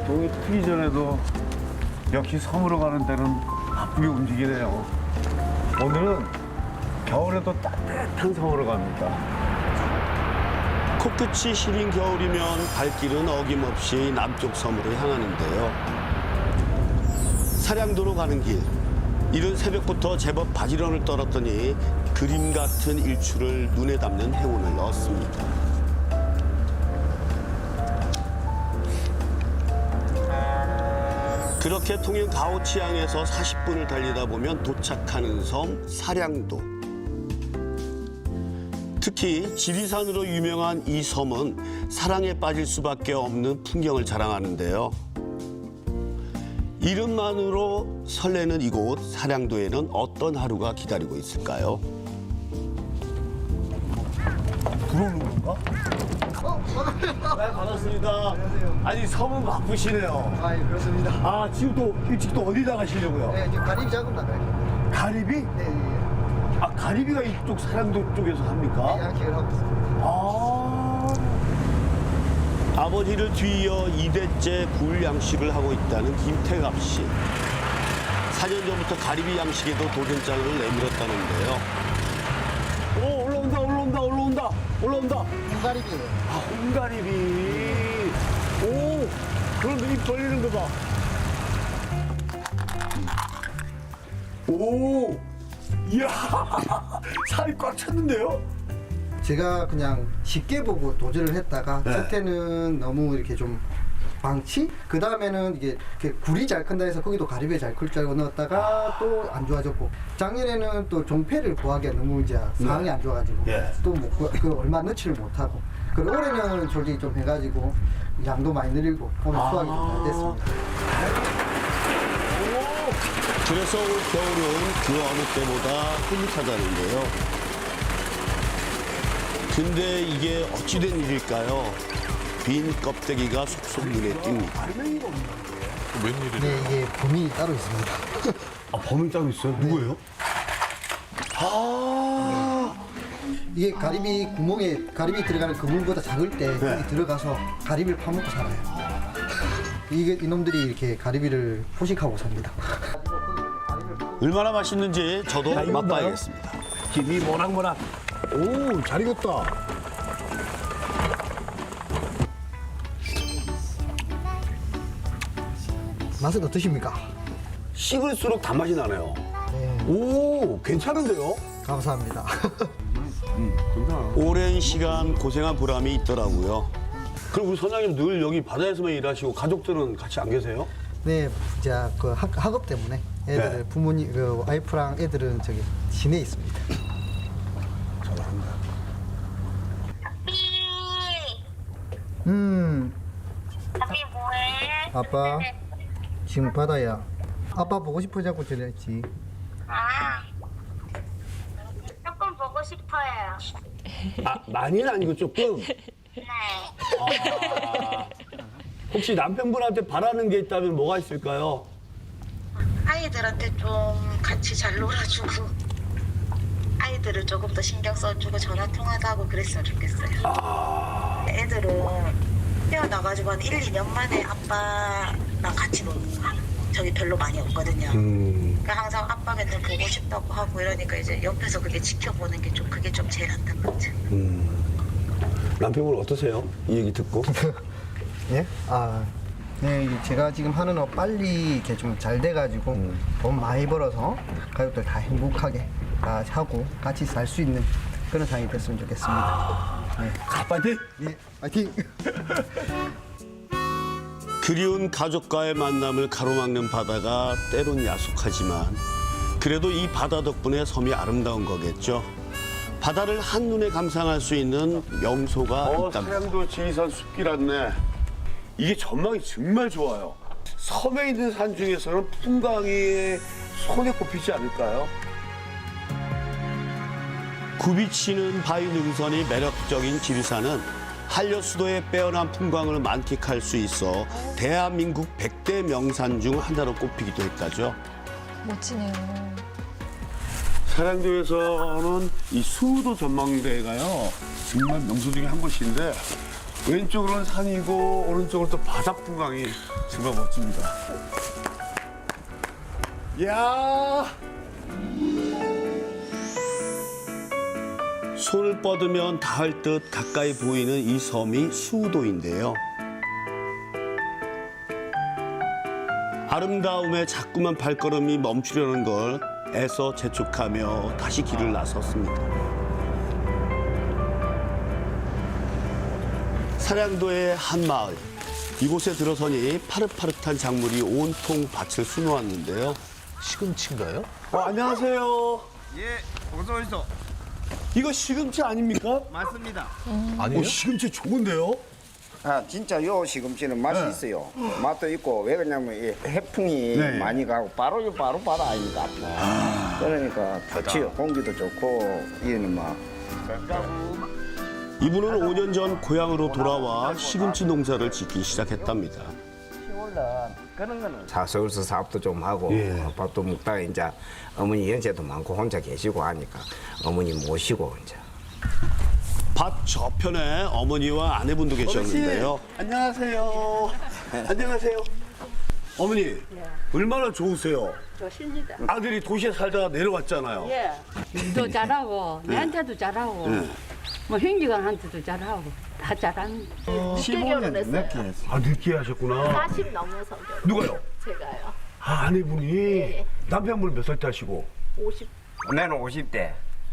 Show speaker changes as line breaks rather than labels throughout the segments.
동이 트기 전에도 역시 섬으로 가는 데는 바쁘게 움직이네요. 오늘은 겨울에도 따뜻한 섬으로 갑니다.
코끝이 시린 겨울이면 발길은 어김없이 남쪽 섬으로 향하는데요. 사량도로 가는 길. 이른 새벽부터 제법 바지런을 떨었더니 그림 같은 일출을 눈에 담는 행운을 얻습니다. 그렇게 통영 가오치항에서 40분을 달리다 보면 도착하는 섬 사량도. 특히 지리산으로 유명한 이 섬은 사랑에 빠질 수밖에 없는 풍경을 자랑하는데요. 이름만으로 설레는 이곳 사량도에는 어떤 하루가 기다리고 있을까요?
들어오는 건가? 네, 반갑습니다. 아니, 섬은 바쁘시네요.
아, 예, 그렇습니다.
아, 지금 또 일찍 또 어디 나가시려고요?
네, 지금 가리비 작업 나가요.
가리비?
네, 예,
아, 가리비가 이쪽 사량도 쪽에서
예.
합니까?
양식을 하고 있습니다.
아,
아버지를 뒤이어 2대째 굴 양식을 하고 있다는 김태갑 씨. 4년 전부터 가리비 양식에도 도전장을 내밀었다는데요.
오, 올라온다.
홍가리비예요.
아, 홍가리비. 오, 그런데 입 벌리는 거 봐. 오, 이야, 살이 꽉 찼는데요?
제가 그냥 쉽게 보고 도전을 했다가
네.
첫해는 너무 이렇게 좀 방치? 그 다음에는 이게 이렇게 굴이 잘 큰다 해서 거기도 가리비 잘 클 줄 알고 넣었다가 또 안 좋아졌고 작년에는 또 종패를 구하기가 너무 이제 상황이 안 좋아가지고
예.
또 그 얼마 넣지를 못하고 그리고 올해는 솔직히 좀 해가지고 양도 많이 늘리고 오늘 수확이 좀 잘 됐습니다.
그래서 올 겨울은 그 어느 때보다 흐뭇하다는데요. 근데 이게 어찌된 일일까요? 빈 껍데기가 속속 눈에 띕니다.
네, 이게 범인이 따로 있습니다.
아, 범인 따로 있어요? 누구예요? 아,
이게 가리비 구멍에 가리비 들어가는 그물보다 작을 때 거기 들어가서 가리비를 파먹고 살아요. 이게 이놈들이 이렇게 가리비를 포식하고 삽니다.
얼마나 맛있는지 저도 맛봐야겠습니다.
김이 모락모락. 오, 잘 익었다.
맛은 어떠십니까?
씹을수록 단맛이 나네요.
네,
오, 괜찮은데요?
감사합니다.
오랜 시간 고생한 보람이 있더라고요.
그럼 우리 선장님 늘 여기 바다에서만 일하시고 가족들은 같이 안 계세요?
네, 제가 그 학업 때문에 애들
네.
부모님 그 와이프랑 애들은 저기 시내에 있습니다.
잘한다.
아비 뭐해?
아빠 지금 바다야. 아빠 보고 싶어자고 전했지.
아, 조금 보고 싶어요.
아, 많이는 아니고 조금.
네.
혹시 남편분한테 바라는 게 있다면 뭐가 있을까요?
아이들한테 좀 같이 잘 놀아주고 아이들을 조금 더 신경 써주고 전화 통화도 하고 그랬으면 좋겠어요. 애들은 태어나가지고 한 1, 2년 만에 아빠랑 같이 노는 거야. 저기 별로 많이 없거든요. 그러니까 항상 아빠 맨날 보고 싶다고 하고 이러니까 이제 옆에서 그게 지켜보는 게 좀 그게 좀 제일 안타깝죠.
남편분 어떠세요? 이 얘기 듣고?
예? 아, 네, 이게 제가 지금 하는 업 빨리 이렇게 좀 잘 돼가지고 돈 많이 벌어서 가족들 다 행복하게 다 하고 같이 살 수 있는 그런 상황이 됐으면 좋겠습니다. 네.
파이팅!
예, 파이팅!
그리운 가족과의 만남을 가로막는 바다가 때론 야속하지만 그래도 이 바다 덕분에 섬이 아름다운 거겠죠. 바다를 한눈에 감상할 수 있는 명소가 있답니다.
사량도 지리산 숲길 안내. 이게 전망이 정말 좋아요. 섬에 있는 산 중에서는 풍광이 손에 꼽히지 않을까요?
굽이치는 바위 능선이 매력적인 지리산은 한려수도의 빼어난 풍광을 만끽할 수 있어 대한민국 100대 명산 중 하나로 꼽히기도 했다죠.
멋지네요.
사량도에서는 이 수도 전망대가요 정말 명소 중에 한 곳인데 왼쪽으로는 산이고 오른쪽으로 또 바닥 풍광이 정말 멋집니다. 이야.
손을 뻗으면 닿을 듯 가까이 보이는 이 섬이 수우도인데요. 아름다움에 자꾸만 발걸음이 멈추려는 걸 애써 재촉하며 다시 길을 나섰습니다. 사량도의 한 마을. 이곳에 들어서니 파릇파릇한 작물이 온통 밭을 수놓았는데요.
시금치인가요?
안녕하세요.
예, 어서 오시죠.
이거 시금치 아닙니까?
맞습니다.
아니에요?
시금치 좋은데요?
아, 진짜 요 시금치는 맛이 있어요. 맛도 있고 왜 그러냐면 이 해풍이
네.
많이 가고 바로 바다 아닙니까? 그러니까 좋지요. 공기도 좋고 이는 막
이분은 5년 전 고향으로 돌아와 시금치 농사를 짓기 시작했답니다.
그런 거는 서울서 사업도 좀 하고 밥도 먹다가 이제 어머니 연세도 많고 혼자 계시고 하니까 어머니 모시고 이제
밭 저편에 어머니와 아내분도 계셨는데요.
안녕하세요. 안녕하세요. 어머니, 얼마나 좋으세요?
좋습니다.
아들이 도시에 살다가 내려왔잖아요.
예. 일도 잘하고, 내한테도 잘하고, 뭐 형제간한테도 잘하고, 다 잘합니다.
15년 늦게 했어요.
아, 늦게 하셨구나.
40 넘어서
누가요?
제가요.
아, 아내분이 남편분 몇 살 때시고?
50.
나는 50대.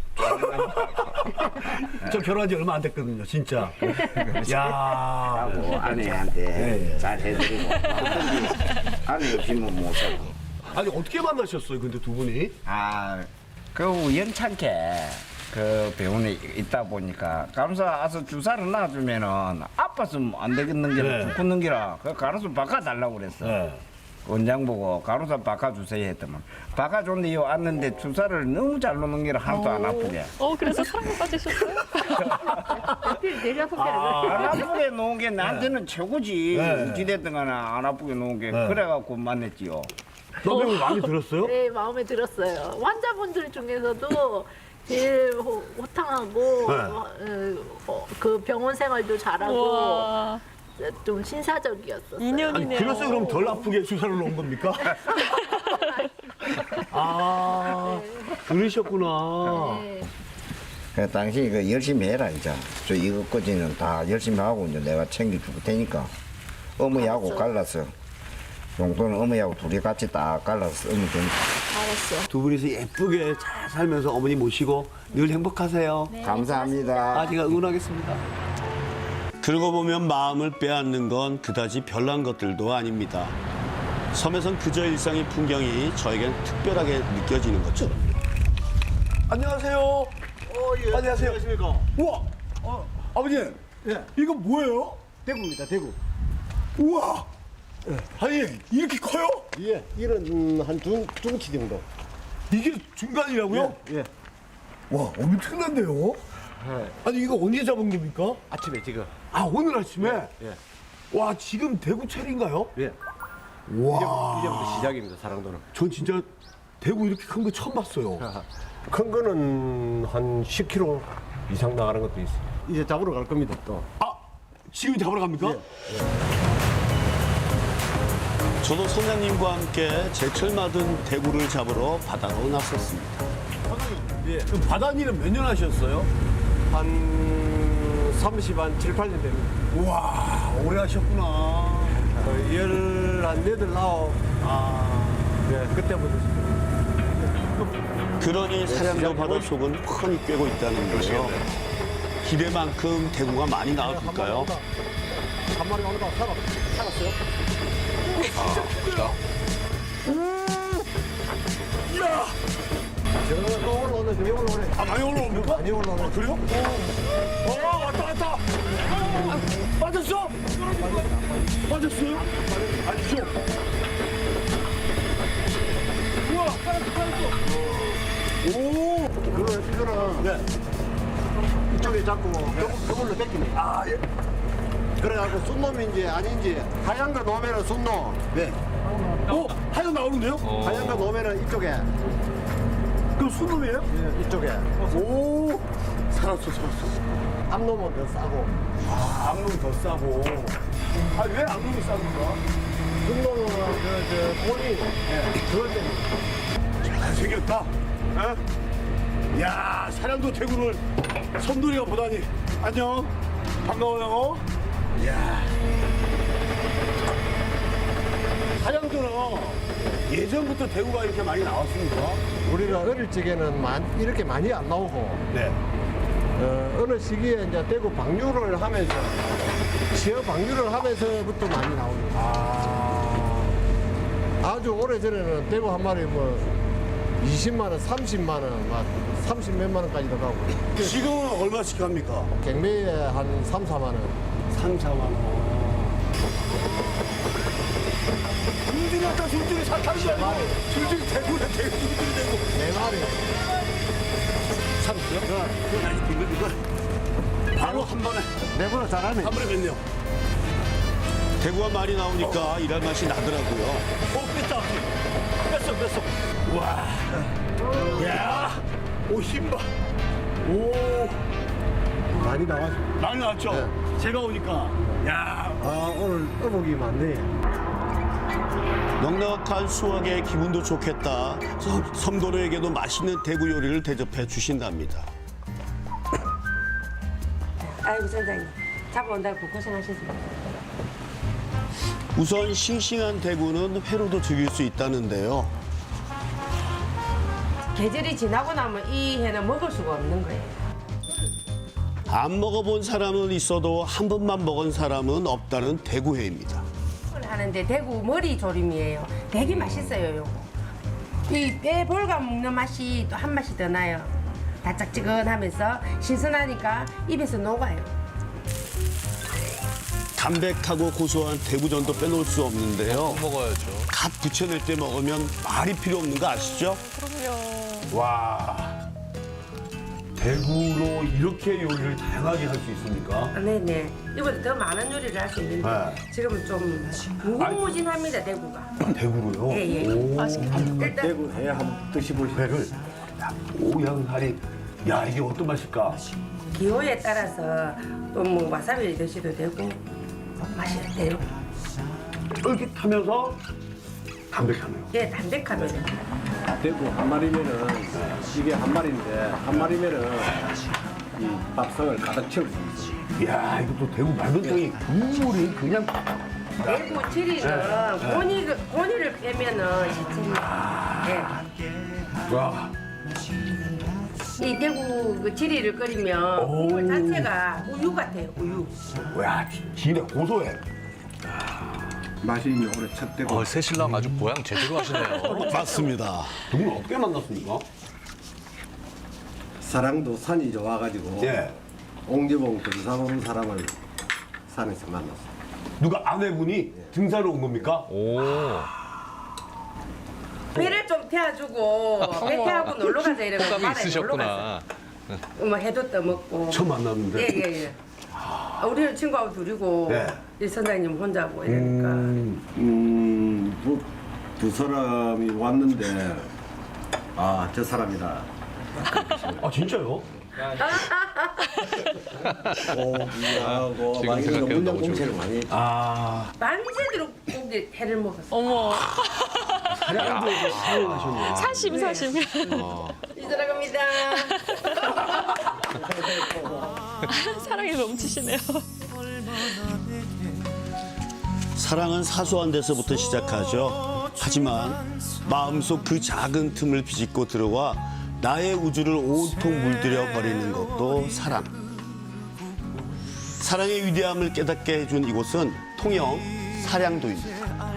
저 결혼한 지 얼마 안 됐거든요, 진짜. 야.
하고 아내한테 잘 해드리고 아내 없이면 못 살고.
아니, 어떻게 만나셨어요, 근데 두 분이?
그 우연찮게 그 병원에 있다 보니까 간호사 와서 주사를 놔주면은 아파서 안 되겠는 게라 죽겠는 게라 그 간호사 바꿔달라고 그랬어. 원장 보고 간호사 바꿔주세요 했더만 바꿔줬는데 요 왔는데 주사를 너무 잘 놓는 게라 하나도 안 아프게.
그래서 사랑에 빠지셨어요?
내려서
안 아프게 놓은 게 나한테는 최고지. 어찌됐든 간에 안 아프게 놓은 게 그래갖고 만났지요.
남편분 마음에 들었어요?
네, 마음에 들었어요. 환자분들 중에서도 제일 호탕하고 그 병원 생활도 잘하고 좀 신사적이었어요.
아니, 그래서 그럼 덜 아프게 주사를 놓은 겁니까? 아, 그러셨구나.
그 당시 그 열심히 해라 이제. 저 이것까지는 다 열심히 하고 이제 내가 챙겨줄 테니까 어머니하고 갈라서 용돈은 어머니하고 둘이 같이 딱 갈라서 어머니 돈.
두 분이서 예쁘게 잘 살면서 어머니 모시고 늘 행복하세요.
감사합니다.
제가 응원하겠습니다.
그러고 보면 마음을 빼앗는 건 그다지 별난 것들도 아닙니다. 섬에선 그저 일상의 풍경이 저에겐 특별하게 느껴지는 것처럼.
안녕하세요. 안녕하세요. 안녕하십니까. 우와. 아버님. 이거 뭐예요?
대구입니다, 대구.
우와. 아니, 이렇게 커요?
예, 이런 한 중치 정도.
이게 중간이라고요?
예.
와, 엄청난데요? 아니, 이거 언제 잡은 겁니까?
아침에 지금.
아, 오늘 아침에?
예.
와, 지금 대구 철인가요?
예.
와.
이제부터 시작입니다, 사랑도는.
전 진짜 대구 이렇게 큰 거 처음 봤어요.
큰 거는 한 10kg 이상 나가는 것도 있어요. 이제 잡으러 갈 겁니다, 또.
아, 지금 잡으러 갑니까?
저도 선장님과 함께 제철 맞은 대구를 잡으러 바다로 나섰습니다.
예. 그럼 바다일은 몇 년 하셨어요?
한 30, 한 7, 8년 됩니다.
우와, 오래 하셨구나.
한 8, 9. 네, 그때부터.
그러니 사량도 바다 속은 훤히 꿰고 있다는데요. 기대만큼 대구가 많이 나와줄까요?
한 마리 오늘 살았어요?
이야!
저 올라오네, 저 올라오네.
아, 많이 올라옵니까?
많이 올라오네.
아, 그래요? 왔다. 빠졌어? 빠졌어요? 아니죠? 우와, 빠졌어. 오!
이거는
네.
이쪽에 잡고 저걸로 뺏기네.
아, 예.
그래갖고 순놈인지 아닌지 하얀 거 놓으면은 순놈.
네. 하얀 나오는데요?
하얀 거 놓으면은 이쪽에.
그럼 순놈이에요?
예, 이쪽에.
오, 살았어.
암놈은 더 싸고,
암놈 더 싸고. 아, 왜 암놈이 쌉니까?
순놈은 본이 그럴 때는
잘생겼다. 어? 야, 사량도 대구를 선돌이가 보다니. 안녕. 반가워요. 야. 사량도는 예전부터 대구가 이렇게 많이 나왔습니까?
우리가 어릴 적에는 이렇게 많이 안 나오고,
네.
어느 시기에 이제 대구 방류를 하면서, 지역 방류를 하면서부터 많이 나옵니다. 아주 오래전에는 대구 한 마리 뭐 20만 원, 30만 원, 막 30 몇만 원까지도 가고.
지금은 얼마씩 갑니까?
경매에 한 3, 4만 원.
3, 4만 원. 술줄이 왔다, 술줄이 사탕이 아니고 술줄이 대구네, 술줄이 대구.
4마리.
참으세요? 그건 아직 이거. 바로 한 번에.
내보다 잘하네.
한 번에 뵙네요.
대구가 많이 나오니까 일할 맛이 나더라고요.
뺐어. 와. 야. 오, 힘봐. 오.
많이 나왔어.
많이 나왔죠? 제가 오니까. 야.
아, 오늘 어복이 많네.
넉넉한 수확에 기분도 좋겠다. 섬도로에게도 맛있는 대구 요리를 대접해 주신답니다.
아이고 선장님 잡아온다고 고생하셨습니다.
우선 싱싱한 대구는 회로도 즐길 수 있다는데요.
계절이 지나고 나면 이 해는 먹을 수가 없는 거예요.
안 먹어본 사람은 있어도 한 번만 먹은 사람은 없다는 대구회입니다.
이걸 하는데 대구 머리 조림이에요. 되게 맛있어요. 요거. 이 뼈 볼가 먹는 맛이 또 한 맛이 더 나요. 바짝지근하면서 신선하니까 입에서 녹아요.
담백하고 고소한 대구전도 빼놓을 수 없는데요.
먹어야죠.
갓 부쳐낼 때 먹으면 말이 필요 없는 거 아시죠?
와. 대구로 이렇게 요리를 다양하게 할 수 있습니까?
아, 네네. 이보다 더 많은 요리를 할 수 있는데
네.
지금은 좀 무궁무진합니다 대구가.
대구로요?
예예. 일단
대구 회 한번 드셔보시죠. 회를. 오양살이. 야, 이게 어떤 맛일까?
기호에 따라서 또 뭐 와사비 드셔도 되고 맛이 어때요?
쫄깃하면서 담백하네요.
예, 담백하면
대구 한 마리면은, 이게 한 마리인데, 한 마리면은 이 밥상을 가득 채울 수 있어요.
이야, 이것도 대구 맑은 땅이 국물이 그냥.
대구 지리는 고니를 빼면은 시체입니다. 예.
와.
이 대구 그 지리를 끓이면 국물 자체가 우유 같아요, 우유.
와, 진해 고소해.
맛이 있는 올해 첫 대구.
새신랑 아주 보양 제대로 하시네요.
맞습니다.
두 분 어떻게 만났습니까?
사랑도 산이 좋아가지고,
예.
옹지봉 등산 온 사람을 산에서 만났어.
누가 아내분이 등산을 온 겁니까?
오.
배를 좀 태워주고 배 태우고 놀러 가자 이러면
호감이
바다에 놀러 가자.
있으셨구나.
뭐 해도 떠먹고.
처음 만났는데.
예예예. 우리는 친구하고 둘이고
네.
이 선장님 혼자고 이러니까.
두 사람이 왔는데, 아, 저 사람이다.
아, 진짜요?
고기하고
지금
막 이런
생각해도
문양
너무
공채를 많이 했죠.
아,
만세대로 고기 회를 먹었어.
어머,
사냥도 사용하셨네요.
사심.
이들어갑니다.
사랑이 넘치시네요.
사랑은 사소한 데서부터 시작하죠. 하지만 마음속 그 작은 틈을 비집고 들어와 나의 우주를 온통 물들여 버리는 것도 사랑. 사랑의 위대함을 깨닫게 해준 이곳은 통영 사량도입니다.